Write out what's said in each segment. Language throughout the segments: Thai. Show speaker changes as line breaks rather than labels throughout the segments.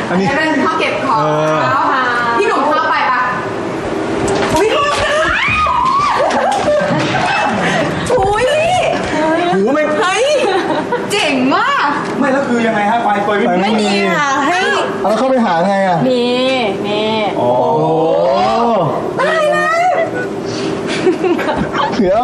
อันนี้เป็นห้องเก็บของพี่หนุ่มเข้าไปปะอุ้ยอุ้ยหูไม่เฮ้ยเจ๋งมาก
ไม่แล้วคือยังไงฮะไฟเปิด
ไม่มีค่ะให้
แล้วเข้าไปหาไงอ่ะ
นี่
โอ้
ตายแล้ว
เดี๋ยว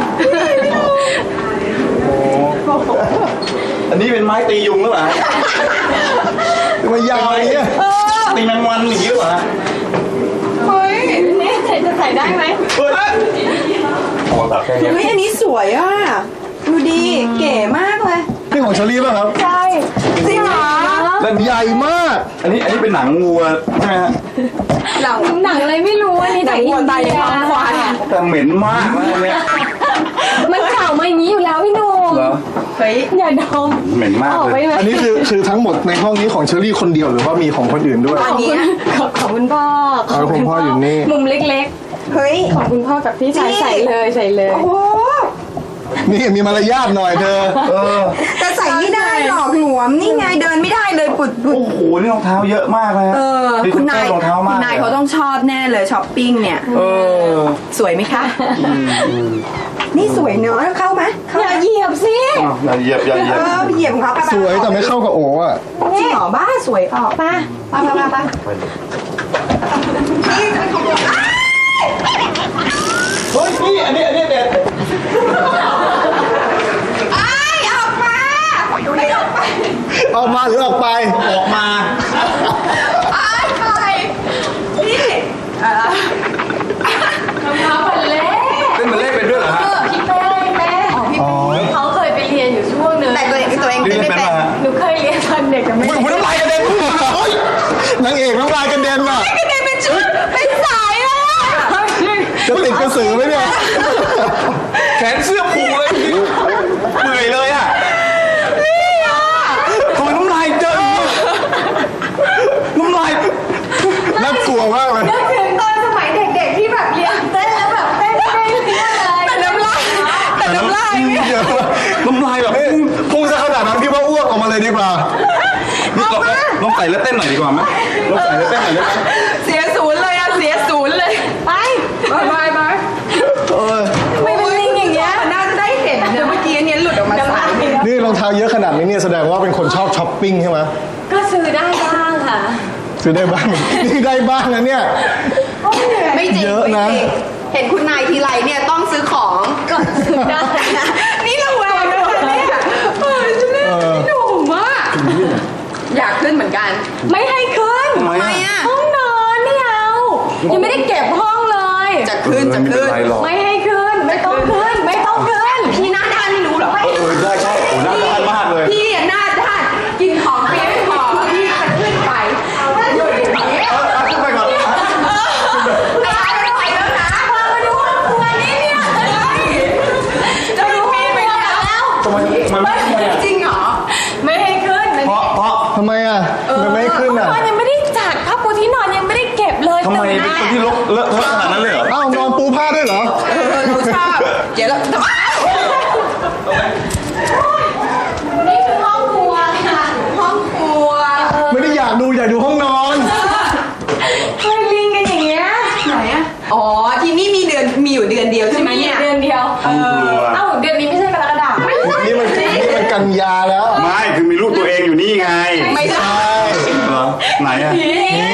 อันนี้เป็นไม้ตียุงหรือเปล่า
มันยาวอย่างเงี้ย
ตีแมงวันอย่างนี้หรือเปล่า
เฮ้ยนี่จะใส่ได้ไหม
เฮ้ยโอ้ตัดแค่นี้
เฮ้ยอันนี้สวยอ่ะดูดีเก๋มากเลย
นี่ของเชอรี่ป่ะครับ
ใช่จริงเหรอ
แล้วใหญ่มาก
อันนี้เป็นหนังวัวใช่ไหมฮะ
หนังอะไรไม่รู้อันนี้แต่วัวตายในท้องควาย
แต่เหม็นมากนะเนี่ย
มันเข่ามาอย่างนี้อยู่แล้วพี่หนุ่มเฮ้ยอย่าดม
เหม็นมากเลย
อันนี้คือทั้งหมดในห้องนี้ของเชอรี่คนเดียวหรือว่ามีของคนอื่นด้วย
อันนี้ของคุณพ่อ
คุณพ่ออยู่นี่
มุมเล็กๆเฮ้ยของคุณพ่อกับพี่ชายใส่เลยโอ้
นี่มีมารยาทหน่อยเธอ
แต่ใส่ไม่ได้หรอกหลวมนี่ไงเดินไม่ได้เลยปุด
โอ้โหนี่รองเท้าเยอะมากเลย
คุณนายเขาต้องชอบแน่เลยช้อปปิ้งเนี่ยสวยไหมคะนี่สวยเนอะเข้าไหมอย่าเหยียบสิ
อย่าเหยียบ
เหยียบของเขา
สวยแต่ไม่เข้ากับโอ๋อ่ะ
จริงเหรอบ้าสวยออกป้านี่
เฮ้ยพี่อันนี้เด็ด
ออกมาหรือออกไป
ออกมา
ไปนี่รองเท้าบัลเล่
เล่นบัลเล่เป็นด้วยเหรอฮะ
พี่เป้เขาเคยไปเรียนอยู่ช่วงนึงแต่ตัวเองไม่เป็นหนูเคยเรียนตอนเด็กแต่ไม่
น้ำลายกระเด็นนางเอกน้ำลายกระเด็นว่ะ
กระเด็นเป็นชุดเป็นสายอ่ะ
จะติดกระสือไหมเนี่ย
แขนเสื้อผูเลยเหนื่อยเลยอ่ะ
น่ากลัวมากเลย
นึกถึงตอนสมัยเด็กๆที่แบบเรียนเต้นแล้วแบบเต้นเลยแต่น้ำลาย
น้ำลายแบบพุ่งซะขนาดนั้นพี่ว่าอ้วกออกมาเลยดีกว่า
ลองใส่แล้วเต้นหน่อยดีกว่าไหมลองใส่แล้วเต้นหน่อยได้ไหม
เสียศูนย์เลยไปไม่เป็นลิงอย่างเงี้ยน่าจะได้เห็นเมื่อกี้นี้หลุดออกมาสาย
นี่รองเท้าเยอะขนาดนี้เนี่ยแสดงว่าเป็นคนชอบช้อปปิ้งใช่ไหม
ก็ซื้อได้บ้างค่ะ
ซื้อได้บ้างนี่ได้บ้างนะเนี่ย
ไม่จริงเยอะนะเห็นคุณนายทีไรเนี่ยต้องซื้อของก็ซื้อได้นี่ระแวงเลยเนี่ยจะเล่นพี่หนุ่มมากอยากขึ้นเหมือนกันไม่ให้ขึ้นทำไมอ่ะห้องนอนไม่เอายังไม่ได้เก็บห้องเลยจะขึ้นไม่ให้ขึ้นไม่ต้องขึ้นพี่หน้าด้านไม่รู้หรอ
ได้ใช่โอ้หน้าด้านมากเลย
พี่หน้าด้านกินของเปี๊ยกพอพี่จะขึ้นไปหยุดอย่างนี้
ขึ้นไปก่อน
ไม่ไหวแล้วนะมาดูตัวนี้เนี่ยจะดูมีไปแล้วจริงเหรอไม่ให้ขึ้น
เพราะ
ทำไมอ่ะมันไม่ขึ้นอ่ะ
ยังไม่ได้จัดผ้าปูที่นอนยังไม่ได้เก็บเลย
ทำไมเป็นคนที่เลอะเทอะขนาดนั้นเลยเหรอ
อ้าวนอนปูผ้าด้วยเหรอ
เราชอบเดี๋ยวเรานี่คือห้องครัวค่ะห้องครัว
ไม่ได้อยากดูห้องนอน
เคยลิงกันอย่างเงี้ยไหนอ่ะอ๋อที่นี่มีอยู่เดือนเดียวใช่ไหมเนี่ยเดือนเดียวเอ้าเดือนนี้ไม่ใช่กรกฎาคม
นี่มันกันยาแล้ว
ไม่คือมีรูปตัวเองอยู่นี่ไง
ไม่ใช่
เหรอไหนอ่ะนี่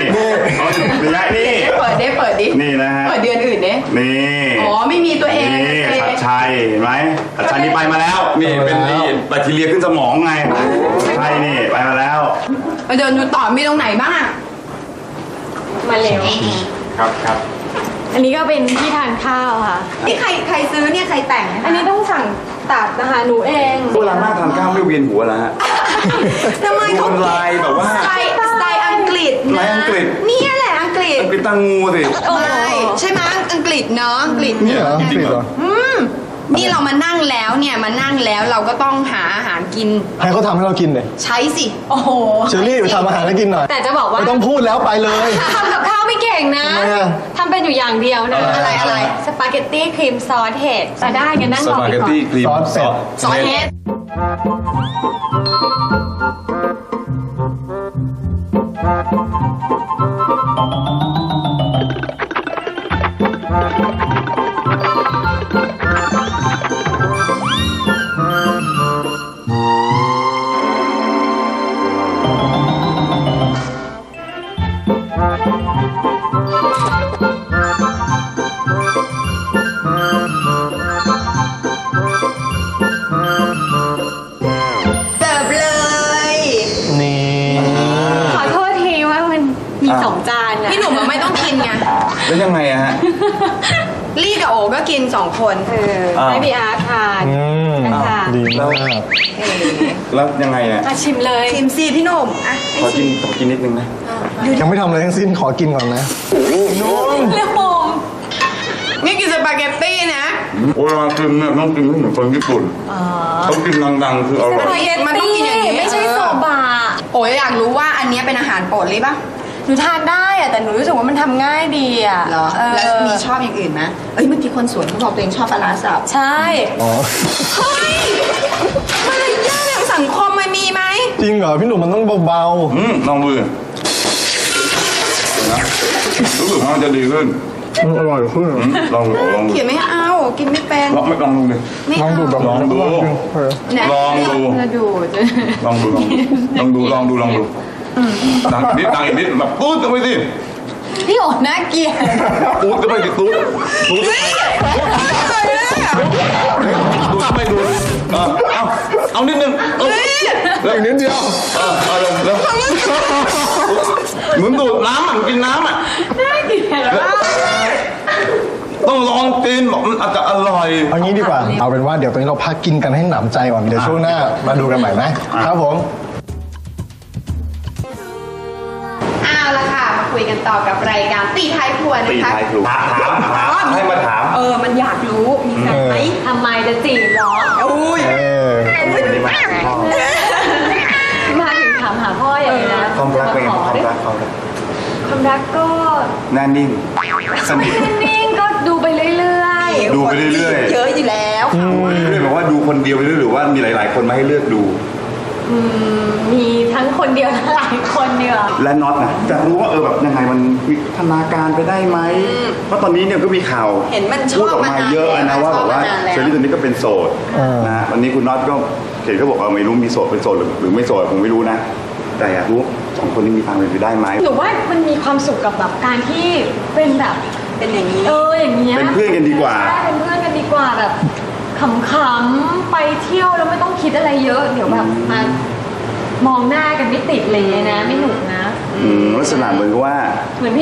เปิดดิ
นี่นะฮะ
เปิดเดือนอื่นเนี่ย
นี่
อ๋อไม่มีตัวเอง
นี่ชัดชัยเห็นไหมชัดชัยนี่ไปมาแล้วนี่เป็นแบคทีเรียขึ้นสมองไงใช่นี่ไปมาแล้ว
มาเดินดูต่อมีตรงไหนบ้างมาเร็ว
ครับ
อันนี้ก็เป็นที่ทานข้าวค่ะนี่ใครซื้อเนี่ยใครแต่งอันนี้ต้องสั่งตัดนะคะหนูเอง
เวลาหน้าทานข้าวไม่เวียนหัวแล้วฮะ
ทำไมเขา
ลายแบบว่า
สไตล์อังกฤษ
นะอังกฤษ
นี่แหละอังกฤษ
ตั้งงูสิ
ใช่ไหมอังกฤษเนาะอังกฤษ
นี่เหรออังกฤษเหรอ
นี่เรามานั่งแล้วเราก็ต้องหาอาหารกิน
ให้เขาทำให้เรากินเลย
ใช่สิโอ้โห
เชอรี่ไปทำอาหารให้กินหน่อย
แต่จะบอกว่า
ไม่ต้องพูดแล้วไปเลย
ทำกับข้าวไม่เก่งนะทำเป็นอยู่อย่างเดียวนะอะไรสปาเกตตี้ครีมซอสเห็ดจะได้กันนั่งรอ
สปาเกตตี้ครีม
ซอส
เห็ด
2 จานอะ
พี่หนุ่มอะไม่ต้องกินไง
แล้วยังไงอะฮะ
ลี่กับโอก็กิน2 คน
ให้พี่อาร์ตทาน นะคะ
ดีมาก
แล้วยังไงอะ
มาชิมเลย
ชิมซีพี่หนุ่มอ่ะ
ขอกินนิดนึงนะ
ยังไม่ทำอะไรทั้งสิ้นขอกินก่อนนะ
เร็วผม
นี่กินสปาเกตตี้นะ
เวลากินเนี่ยต้องกินเหมือนคนญี่ปุ่นต้องกินดังๆคืออร่อย
มันต้องกินอย่างนี้
ไม่ใช่โซบะ
โอ้ยอยากรู้ว่าอันเนี้ยเป็นอาหารโปรดลี่ปะ
หนูทานได้อะแต่หนูรู้สึกว่ามันทำง่ายดีอะ
เหรอ แล้วมีชอบอย่างอื่นไหมเอ้ยเมื่อกี้คนสวนเขาบอกตัวเองชอบปลาร้าสับ
ใช่
อ๋อ
เฮ้ยมารยาททางสังคมมันมีไหม
จริงเหรอพี่หนุ่มมันต้องเบา
ลองดูดินะรู้สึกว่ามันจะดีขึ้น
ๆอร่อยขึ้น
ลองดูลองดู
เขียนไม่เอากินไม่เป็น
ลองดูดิ
ไม่
ลอง
เอา
ดูแบบ
ลองดู
ไหน
ลองดู
จะดูด
ลองดูดังอีกนิดแบบตูดเข้าไปสิ
พี่โอ๋น่าเกลียด
ตูดเข้าไปสิตูดเข้าไปดูเอานิดนึง
แล้วอีกนิดเดียว
เอาเร็วเหมือนดูดน้ำอ่ะกินน้ำอ่ะ
น่าเกลียดมาก
ต้องลองกินบอกมันอาจจะอร่อย
เอางี้ดีกว่า เอาเป็นว่าเดี๋ยวตอนนี้เราพักกินกันให้หนำใจก่อน เดี๋ยวช่วงหน้ามาดูกันใหม่นะครับผม
เอาละค่ะ มาคุยกันต่อกับรายการตีท้ายครัวนะคะ
ถามให้มาถาม
มันอยากรู้มีแฟนไหม
ทำไมจะจีบเหรอ
อุ้ย
เออ
มาถึงถามหาพ่ออย่างนี้นะ
ความรักเป็นไง
ขอ
ความ
ดิ
รัก
ความรักก็
หน้านิ่งสนิท
นิ่งๆก็ดูไปเรื่อย
ดูไปเรื่อยๆ
เยอะอยู่แล้ว
ดูไปเรื่อยๆบอกว่าดูคนเดียวไปเรื่อยหรือว่ามีหลาย ๆ คนมาให้เลือกดู
ๆมีทั้งคนเดียวและหลายคนเดียว
และน็อตนะจะรู้ว่าแบบยังไงมันวิวัฒนาการไปได้ไหมเพราะตอนนี้เนี่ยก็มีข่าว
เห็นมันช
พู
อ
ด
บ
ออก
มา
มา
นา
เยอะ
น
นะว่าแบบว่า
ช
เชอรี่ตอนนี้ก็เป็นโสดนะวันนี้คุณน็อตก็เห็นเขาบอกว่าไม่รู้มีโสดเป็นโสดหรือไม่โสดผมไม่รู้นะ แต่อยากรู้2 คนนี้มีทางเป็นไปได้ไหม
หนูว่ามันมีความสุขกับแบบการที่เป็นแบบ
เป็นอย่างนี้
อย่างเงี้ย
เป็นเพื่อนกันดีกว่า
ใช่เป็นเพื่อนกันดีกว่าแบบขำๆไปเที่ยวแล้วไม่ต้องคิดอะไรเยอะ เดี๋ยวแบบมามองหน้ากันไม่ติดเลยนะไม่หนุกนะ
ลักษณะเหมือนกับว่า
เหมือน